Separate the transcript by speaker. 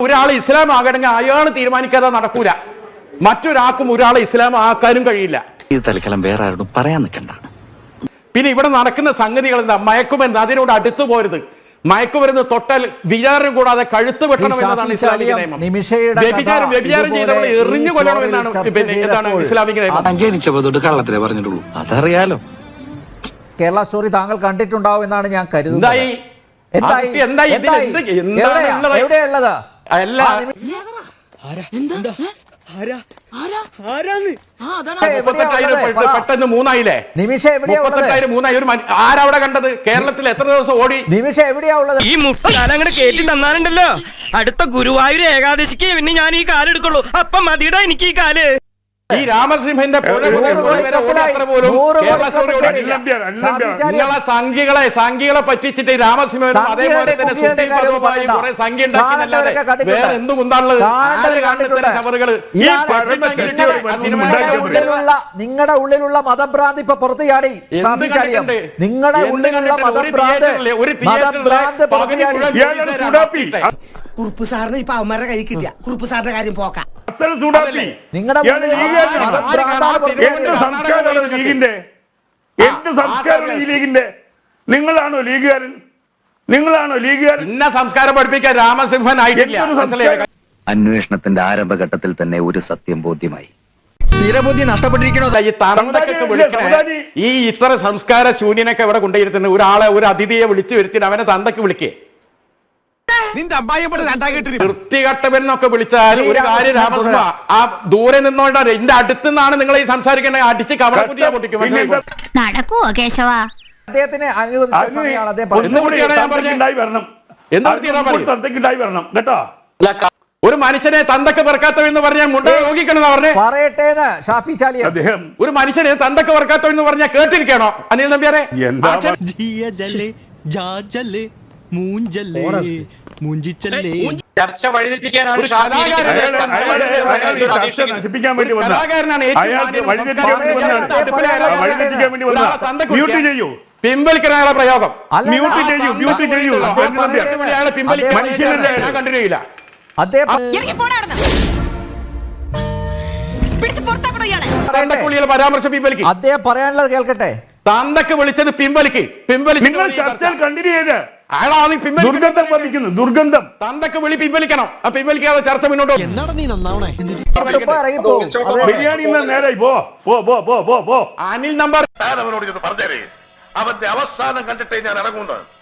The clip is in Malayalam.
Speaker 1: ഒരാൾ ഇസ്ലാം ആകണമെങ്കിൽ അയാൾ തീരുമാനിക്കാതെ നടക്കൂല. മറ്റൊരാൾക്കും ഒരാളെ ഇസ്ലാം ആക്കാനും കഴിയില്ല.
Speaker 2: ഇത് തൽക്കാലം വേറെ ആരോടും പറയാൻ നിൽക്കണ്ട.
Speaker 1: പിന്നെ ഇവിടെ നടക്കുന്ന സംഗതികൾ എന്താ? മയക്കുമരുന്ന്, അതിനോട് അടുത്തു പോരുത്. മയക്കുമരുന്ന് തൊട്ടാൽ വിചാരം കൂടാതെ കഴുത്ത് വെട്ടണം എന്നതാണ് ഇസ്ലാമിക നിയമം. വ്യഭിചാരം ചെയ്തവൾ എറിഞ്ഞു കൊല്ലണം എന്നാണ് ഇസ്ലാമിക നിയമം.
Speaker 2: ജനിച്ചപ്പോ തൊട്ട് കള്ളത്തിലേ പറഞ്ഞിട്ടുള്ളൂ, അതറിയാലോ.
Speaker 3: കേരള സ്റ്റോറി താങ്കൾ കണ്ടിട്ടുണ്ടാവും എന്നാണ് ഞാൻ കരുതുന്നത്. എവിടെയുള്ളത്?
Speaker 1: പെട്ടെന്ന് 3,000
Speaker 3: നിമിഷം എവിടെയാ
Speaker 1: ആരവിടെ കണ്ടത്? കേരളത്തിൽ എത്ര ദിവസം ഓടി?
Speaker 3: നിമിഷം എവിടെയാ ഉള്ളത്?
Speaker 4: ഈ മുസ്കാലങ്ങട് കേട്ടി തന്നാലുണ്ടല്ലോ, അടുത്ത ഗുരുവായൂർ ഏകാദശിക്ക് പിന്നെ ഞാൻ ഈ കാലെടുക്കുള്ളൂ. അപ്പം മതിയുടെ എനിക്ക് ഈ കാല്.
Speaker 1: ഈ രാമസിംഹന്റെ സംഖ്യകളെ പറ്റിച്ചിട്ട് രാമസിംഹൻ അതേപോലെ തന്നെ കുറെ സംഖ്യ ഉണ്ടാക്കി വേറെ എന്തും ഉണ്ടാണുള്ളത്.
Speaker 3: നിങ്ങളുടെ ഉള്ളിലുള്ള മതഭ്രാന്ത് ഇപ്പൊ പുറത്തു ചാടി. നിങ്ങളുടെ ഉള്ളിലുള്ള മതഭ്രാന്ത് പുറത്തു ചാടി.
Speaker 5: കുറുപ്പ് സാറിന് ഇപ്പൊ അവന്മാരുടെ കൈ കിട്ടിയ കുറുപ്പ് സാറിന്റെ കാര്യം പോക്കാം.
Speaker 3: നിങ്ങളുടെ
Speaker 6: നിങ്ങളാണോ ലീഗുകാരൻ? നിങ്ങളാണോ ലീഗുകാരൻ?
Speaker 1: ഇന്ന സംസ്കാരം പഠിപ്പിക്കാൻ രാമസിംഹൻ ആയിട്ടില്ല.
Speaker 7: അന്വേഷണത്തിന്റെ ആരംഭഘട്ടത്തിൽ തന്നെ ഒരു സത്യം ബോധ്യമായി.
Speaker 4: തീരബുദ്ധി നഷ്ടപ്പെട്ടിരിക്കണോ?
Speaker 1: ഈ തറമ്പൊക്കെ വിളിക്കണേ, ഈ ഇത്ര സംസ്കാര ശൂന്യനൊക്കെ ഇവിടെ കൊണ്ടുവരുത്തുന്ന ഒരാളെ, ഒരു അതിഥിയെ വിളിച്ചു വരുത്തി അവനെ തന്തക്ക് വിളിക്കേ. വൃത്തികെട്ടവെന്നൊക്കെ വിളിച്ചാൽ ഒരു കാര്യം രാമസിംഹ, ആ ദൂരെ നിന്നോണ്ടാണ്. എന്റെ അടുത്തുനിന്നാണ് നിങ്ങൾ ഈ സംസാരിക്കണേ. അടിച്ച് കവളക്കുറ്റിയാ പൊട്ടിക്കും.
Speaker 8: നടക്കുവോ കേശവ?
Speaker 3: അദ്ദേഹത്തിന് അനുവദിച്ച സമയമാണ് അദ്ദേഹം
Speaker 1: ഒരു മനുഷ്യനെ തന്തക്ക് പെറുക്കാത്തവെന്ന് പറഞ്ഞാൽ മുണ്ട നോക്കിക്കണം പറഞ്ഞേ.
Speaker 3: പറയട്ടെ ഷാഫി ചാലിയ.
Speaker 1: ഒരു മനുഷ്യനെ തന്തക്ക് പെറുക്കാത്തവെന്ന് പറഞ്ഞാൽ കേട്ടിരിക്കണോ അനിൽ നമ്പ്യാരെ? ചർച്ച വഴിതെറ്റിക്കാനാണ്
Speaker 6: നശിപ്പിക്കാൻ വേണ്ടി വന്ന മ്യൂട്ട് ചെയ്യൂ.
Speaker 1: പിൻവലിക്കാനുള്ള പ്രയോഗം
Speaker 6: മ്യൂട്ട് ചെയ്യൂ, മ്യൂട്ട് ചെയ്യൂ.
Speaker 1: ഞാൻ കണ്ടിന്യൂ ചെയ്യില്ല. പരാമർശം പിൻവലിക്കും.
Speaker 3: അദ്ദേഹം പറയാനുള്ളത് കേൾക്കട്ടെ.
Speaker 1: തന്തക്ക് വിളിച്ചത് പിൻവലിക്ക്.
Speaker 6: നിങ്ങൾ ചർച്ചയിൽ കണ്ടിന്യൂ ചെയ്ത്
Speaker 1: അയാളാണ്
Speaker 6: ദുർഗന്ധം വന്നിരിക്കുന്നത്. ദുർഗന്ധം
Speaker 1: തന്തക്ക് വിളി പിൻവലിക്കണം. ആ പിൻവലിക്കാതെ ചർച്ച മുന്നോട്ട്
Speaker 6: ബിരിയാണി നേരെ പോ
Speaker 1: അനിൽ നമ്പർ
Speaker 9: അവന്റെ അവസാനം കണ്ടിട്ടേ ഞാൻ ഇറങ്ങുന്നത്.